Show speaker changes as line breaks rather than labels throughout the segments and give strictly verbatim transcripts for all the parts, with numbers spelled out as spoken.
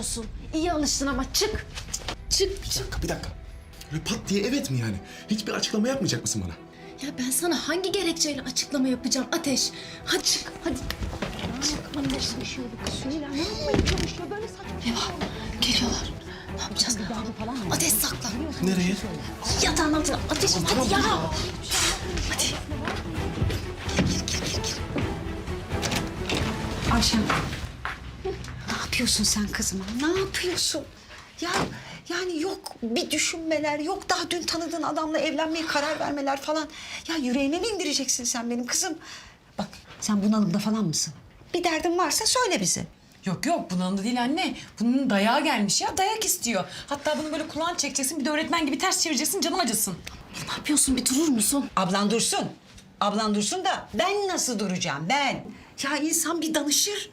yapıyorsun? İyi alıştın ama çık. Çık,
Bir
çık.
dakika, bir dakika. Öyle pat diye evet mi yani? Hiçbir açıklama yapmayacak mısın bana?
Ya ben sana hangi gerekçeyle açıklama yapacağım Ateş? Hadi çık, hadi. Çık Ateş. Eyvah, geliyorlar. Ne yapacağız? Ateş saklan.
Nereye?
Yatağın altına. Ateş, hadi ya. Hadi. Gir, gir, gir, gir, gir.
Ayşen, ne yapıyorsun sen kızıma? Ne yapıyorsun? Ya yani yok bir düşünmeler, yok daha dün tanıdığın adamla evlenmeye karar vermeler falan. Ya yüreğine mi indireceksin sen benim kızım? Bak sen bunalımda falan mısın? Bir derdin varsa söyle bize.
Yok yok bunun değil anne. Bunun dayağı gelmiş ya. Dayak istiyor. Hatta bunu böyle kulağını çekeceksin. Bir de öğretmen gibi ters çevireceksin. Canım acısın.
Ne yapıyorsun? Bir durur musun?
Ablan dursun. Ablan dursun da ben nasıl duracağım ben? Ya insan bir danışır.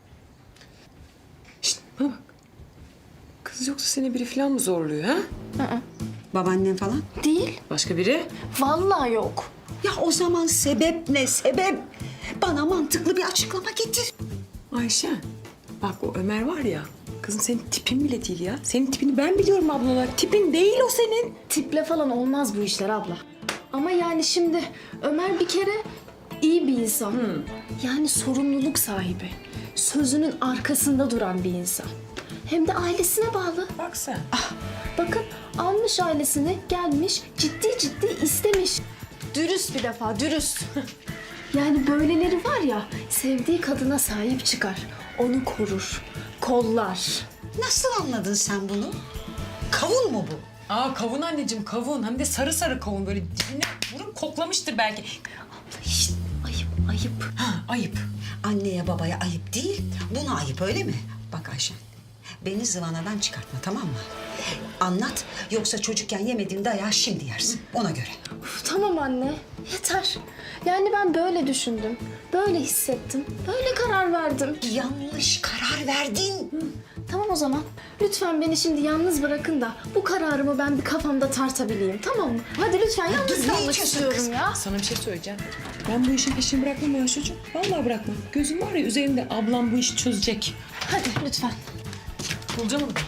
Şişt bana bak. Kız yoksa seni biri falan mı zorluyor ha?
Babaannen falan.
Değil.
Başka biri?
Vallahi yok.
Ya o zaman sebep ne sebep? Bana mantıklı bir açıklama getir.
Ayşe. Bak o Ömer var ya. Kızım senin tipin bile değil ya. Senin tipini ben biliyorum abla olarak. Tipin değil o senin.
Tiple falan olmaz bu işler abla. Ama yani şimdi Ömer bir kere iyi bir insan. Yani sorumluluk sahibi. Sözünün arkasında duran bir insan. Hem de ailesine bağlı.
Bak sen.
Bakın almış ailesini, gelmiş, ciddi ciddi istemiş. Dürüst bir defa, dürüst. Yani böyleleri var ya, sevdiği kadına sahip çıkar. Onu korur, kollar.
Nasıl anladın sen bunu? Kavun mu bu?
Aa kavun anneciğim kavun. Hem de sarı sarı kavun. Böyle dibine vurup koklamıştır belki.
Şişt, ayıp, ayıp.
Ha ayıp.
Anneye babaya ayıp değil, buna ayıp öyle mi? Bak Ayşen, beni zıvanadan çıkartma tamam mı? Anlat, yoksa çocukken yemediğin dayağı şimdi yersin, ona göre.
Uf, tamam anne, yeter. Yani ben böyle düşündüm, böyle hissettim, böyle karar verdim.
Yanlış karar verdin.
Tamam o zaman. Lütfen beni şimdi yalnız bırakın da bu kararımı ben bir kafamda tartabileyim, tamam mı? Hadi lütfen yalnız
ne
kalmak
içiyorsun
istiyorum
kız?
ya.
Sana bir şey söyleyeceğim. Ben bu işin peşini bırakmam ya çocuk. Vallahi bırakmam. Gözüm var ya üzerinde ablam bu işi çözecek.
Hadi lütfen.
Bulacağım onu.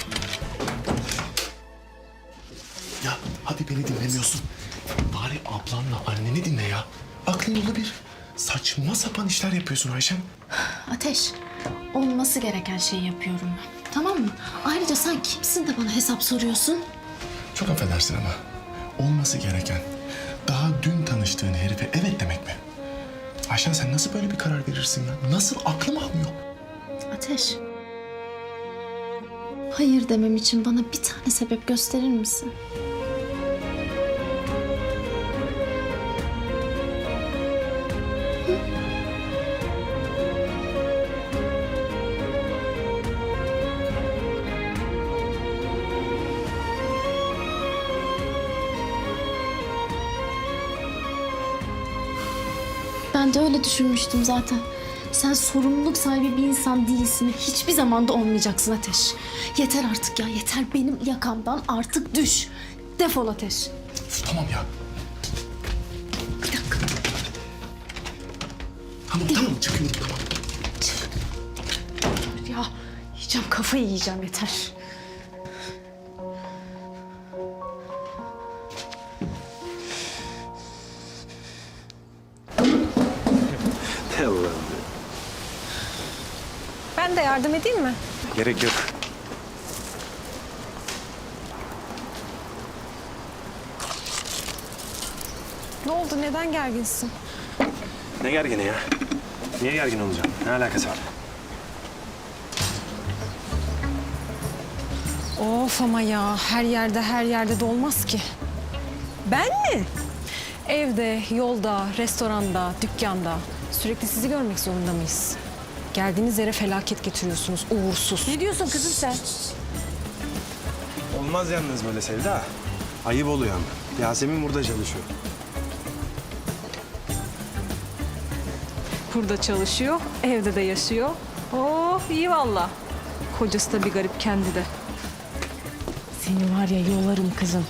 Ya hadi beni dinlemiyorsun. Bari ablanla anneni dinle ya. Aklın dolu bir. Saçma sapan işler yapıyorsun Ayşem.
Ateş, olması gereken şeyi yapıyorum ben. Tamam mı? Ayrıca sen kimsin de bana hesap soruyorsun?
Çok affedersin ama olması gereken daha dün tanıştığın herife evet demek mi? Ayşen sen nasıl böyle bir karar verirsin ya? Nasıl aklım almıyor?
Ateş. Hayır demem için bana bir tane sebep gösterir misin? Ben de öyle düşünmüştüm zaten. Sen sorumluluk sahibi bir insan değilsin ve hiçbir zaman da olmayacaksın Ateş. Yeter artık ya, yeter benim yakamdan artık düş. Defol Ateş.
Üf, tamam ya.
Bir dakika.
Tamam tamam çıkıyorum tamam.
Ya yiyeceğim, kafayı yiyeceğim yeter.
Allah'ım.
Ben de yardım edeyim mi?
Gerek yok.
Ne oldu? Neden gerginsin?
Ne gergini ya? Niye gergin olacağım? Ne alakası var?
Of ama ya her yerde her yerde de olmaz ki. Ben mi? Evde, yolda, restoranda, dükkanda sürekli sizi görmek zorunda mıyız? Geldiğiniz yere felaket getiriyorsunuz, uğursuz. Ne diyorsun kızım sen?
Olmaz yalnız böyle Sevda. Ayıp oluyor ama. Yasemin burada çalışıyor.
Burada çalışıyor, evde de yaşıyor. Oh iyi valla. Kocası da bir garip kendi de. Seni var ya yolarım kızım.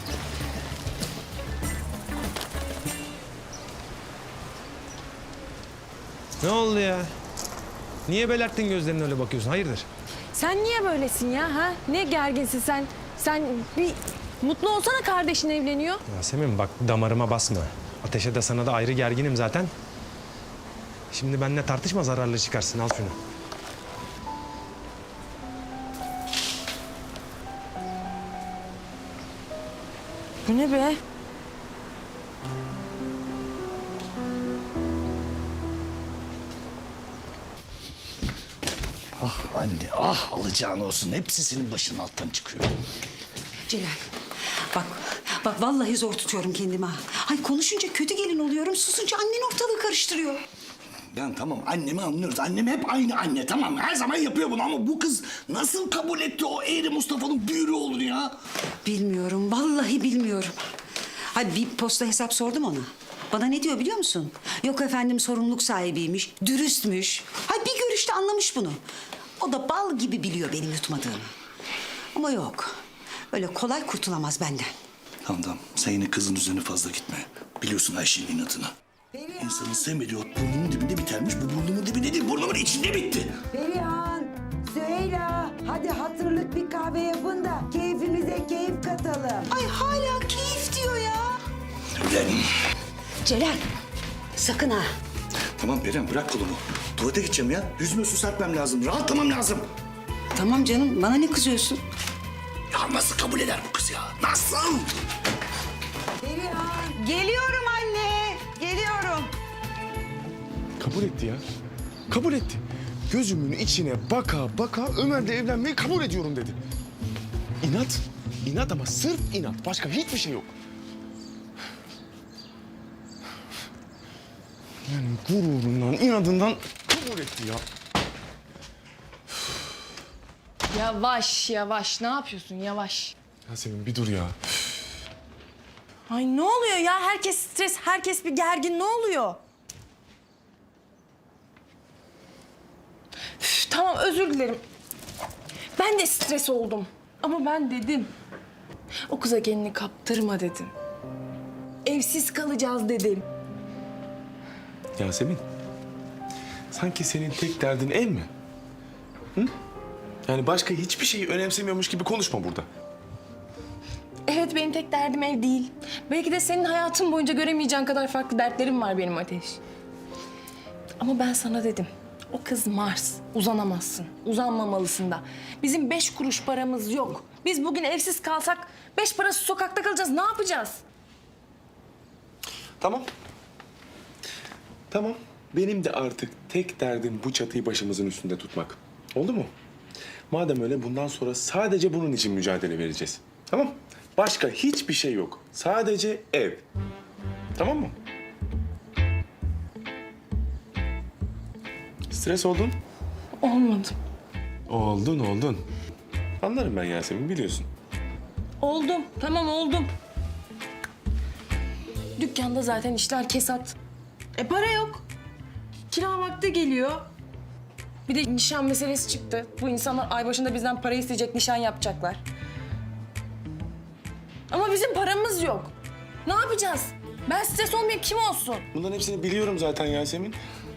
Ne oldu ya? Niye belerttin gözlerini öyle bakıyorsun? Hayırdır?
Sen niye böylesin ya ha? Ne gerginsin sen? Sen bir mutlu olsana, kardeşin evleniyor.
Yasemin bak damarıma basma. Ateşe de sana da ayrı gerginim zaten. Şimdi benimle tartışma, zararlı çıkarsın. Al şunu.
Bu ne be?
Anne ah alacağın olsun. Hepsi senin başının alttan çıkıyor.
Celal bak bak vallahi zor tutuyorum kendimi ha. Ay konuşunca kötü gelin oluyorum, susunca annen ortalığı karıştırıyor.
Yani tamam annemi anlıyoruz. Annem hep aynı anne tamam mı? Her zaman yapıyor bunu ama bu kız nasıl kabul etti o eğri Mustafa'nın büyürü olur ya?
Bilmiyorum, vallahi bilmiyorum. Hadi bir posta hesap sordum ona. Bana ne diyor biliyor musun? Yok efendim sorumluluk sahibiymiş, dürüstmüş. Hay bir görüşte anlamış bunu. O da bal gibi biliyor benim yutmadığımı. Ama yok, öyle kolay kurtulamaz benden.
Tamam tamam sen yine kızın üzerine fazla gitme. Biliyorsun Ayşe'nin inatını. İnsanın sevmediği ot burnunun dibinde bitermiş. Bu burnumun dibinde değil burnumun içinde bitti.
Perihan, Süheyla, hadi hatırlık bir kahve yapın da keyfimize keyif katalım.
Ay hala keyif diyor ya.
Ulan.
Celal, sakın ha.
Tamam Perihan bırak kolumu. Tuvalete gideceğim ya. Yüzüme su serpmem lazım. Rahatlamam lazım.
Tamam canım, bana ne kızıyorsun?
Ya nasıl kabul eder bu kız ya? Nasıl?
Perihan,
Geliyorum anne, geliyorum.
Kabul etti ya. Kabul etti. Gözümün içine baka baka Ömer'le evlenmeyi kabul ediyorum dedi. İnat. İnat ama sırf inat. Başka hiçbir şey yok. Yani gururundan, inadından kabul etti ya.
Yavaş yavaş, ne yapıyorsun yavaş?
Yasemin bir dur ya.
Ay ne oluyor ya? Herkes stres, herkes bir gergin. Ne oluyor? Üf, tamam özür dilerim. Ben de stres oldum. Ama ben dedim. O kıza kendini kaptırma dedim. Evsiz kalacağız dedim.
Yasemin, sanki senin tek derdin ev mi? Hı? Yani başka hiçbir şeyi önemsemiyormuş gibi konuşma burada.
Evet, benim tek derdim ev değil. Belki de senin hayatın boyunca göremeyeceğin kadar farklı dertlerim var benim Ateş. Ama ben sana dedim. O kız Mars. Uzanamazsın. Uzanmamalısın da. Bizim beş kuruş paramız yok. Biz bugün evsiz kalsak beş parası sokakta kalacağız. Ne yapacağız?
Tamam. Tamam. Benim de artık tek derdim bu çatıyı başımızın üstünde tutmak. Oldu mu? Madem öyle bundan sonra sadece bunun için mücadele vereceğiz. Tamam? Başka hiçbir şey yok. Sadece ev. Tamam mı? Stres oldun?
Olmadı.
Oldun, oldun. Anlarım ben Yasemin, biliyorsun.
Oldum. Tamam oldum. Dükkanda zaten işler kesat. E para yok. Kira vakti geliyor. Bir de nişan meselesi çıktı. Bu insanlar ay başında bizden para isteyecek, nişan yapacaklar. Ama bizim paramız yok. Ne yapacağız? Ben stres olmayayım, kim olsun?
Bunların hepsini biliyorum zaten Yasemin.